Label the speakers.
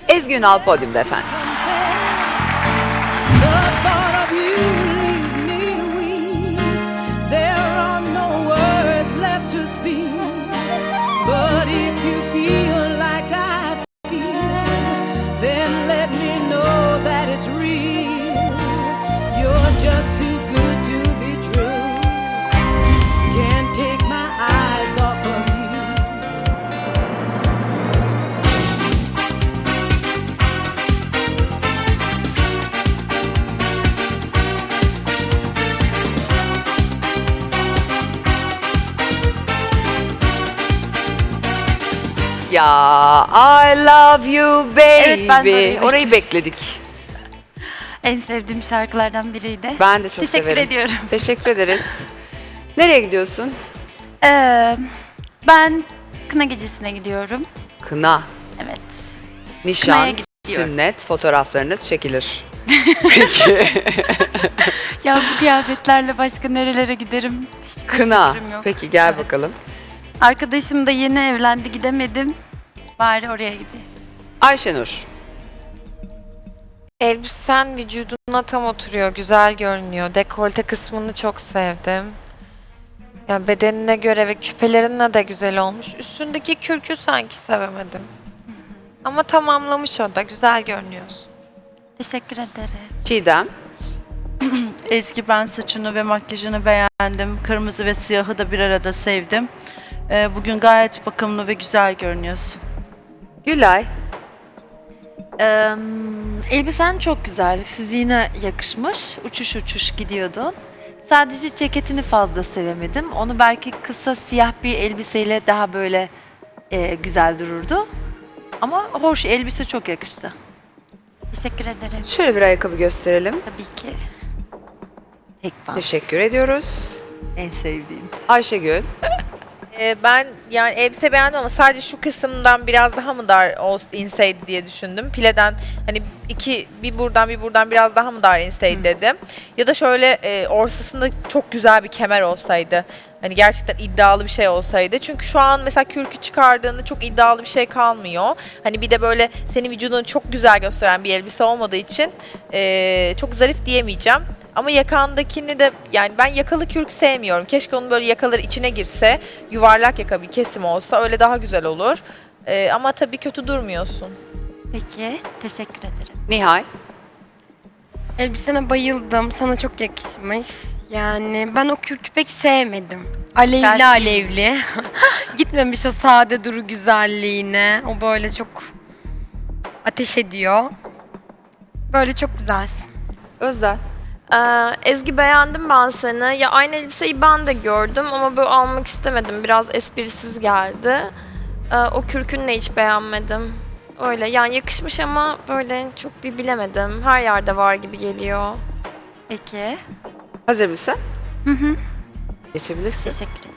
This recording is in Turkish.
Speaker 1: Ezgi Ünal podyumda efendim. Ya I love you baby.
Speaker 2: Evet, ben de orayı
Speaker 1: Orayı bekledik.
Speaker 2: En sevdiğim şarkılardan biriydi.
Speaker 1: Ben de çok
Speaker 2: Teşekkür
Speaker 1: severim.
Speaker 2: ediyorum.
Speaker 1: Teşekkür ederiz. Nereye gidiyorsun?
Speaker 2: Ben kına gecesine gidiyorum.
Speaker 1: Kına,
Speaker 2: Evet.
Speaker 1: nişan,
Speaker 2: Kınaya gidiyorum.
Speaker 1: sünnet fotoğraflarınız çekilir.
Speaker 2: Ya bu kıyafetlerle başka nerelere giderim? Hiçbir
Speaker 1: Kına.
Speaker 2: fikrim yok.
Speaker 1: Peki gel
Speaker 2: Evet.
Speaker 1: bakalım.
Speaker 2: Arkadaşım da yeni evlendi, gidemedim. Bari oraya gideyim.
Speaker 1: Ayşenur.
Speaker 3: Elbisen vücuduna tam oturuyor, güzel görünüyor. Dekolte kısmını çok sevdim. Yani bedenine göre ve küpelerinle de güzel olmuş. Üstündeki kürkü sanki sevemedim. Ama tamamlamış o da, güzel görünüyorsun.
Speaker 2: Teşekkür ederim.
Speaker 1: Çiğdem.
Speaker 4: Ezgi, ben saçını ve makyajını beğendim. Kırmızı ve siyahı da bir arada sevdim. Bugün gayet bakımlı ve güzel görünüyorsun.
Speaker 1: Gülay.
Speaker 5: Elbisen çok güzel, fiziğine yakışmış, uçuş uçuş gidiyordun. Sadece ceketini fazla sevemedim. Onu belki kısa siyah bir elbiseyle daha böyle güzel dururdu. Ama hoş, elbise çok yakıştı.
Speaker 2: Teşekkür ederim.
Speaker 1: Şöyle bir ayakkabı gösterelim.
Speaker 2: Tabii ki.
Speaker 5: Tek pant.
Speaker 1: Teşekkür ediyoruz.
Speaker 5: En sevdiğim.
Speaker 1: Ayşegül.
Speaker 6: Ben yani elbise beğendim ama sadece şu kısımdan biraz daha mı dar inseydi diye düşündüm. Pileden hani bir buradan biraz daha mı dar inseydi dedim. Ya da şöyle ortasında çok güzel bir kemer olsaydı. Hani gerçekten iddialı bir şey olsaydı. Çünkü şu an mesela kürkü çıkardığında çok iddialı bir şey kalmıyor. Hani bir de böyle senin vücudunu çok güzel gösteren bir elbise olmadığı için çok zarif diyemeyeceğim. Ama yakandakini de yani ben yakalı kürk sevmiyorum. Keşke onun böyle yakaları içine girse, yuvarlak yaka bir kesim olsa öyle daha güzel olur. Ama tabii kötü durmuyorsun.
Speaker 2: Peki. Teşekkür ederim.
Speaker 1: Nihal.
Speaker 7: Elbisene bayıldım. Sana çok yakışmış. Yani ben o kürkü pek sevmedim. Alevli
Speaker 2: Belki-
Speaker 7: alevli. Gitmemiş o sade duru güzelliğine. O böyle çok ateş ediyor. Böyle çok güzelsin.
Speaker 1: Özden.
Speaker 8: Ezgi, beğendim ben seni. Ya aynı elbiseyi ben de gördüm ama böyle almak istemedim. Biraz esprisiz geldi. O kürkünü de hiç beğenmedim. Öyle yani yakışmış ama böyle çok bir bilemedim. Her yerde var gibi geliyor.
Speaker 2: Peki.
Speaker 1: Hazır mısın? Geçebilirsin.
Speaker 2: Teşekkür ederim.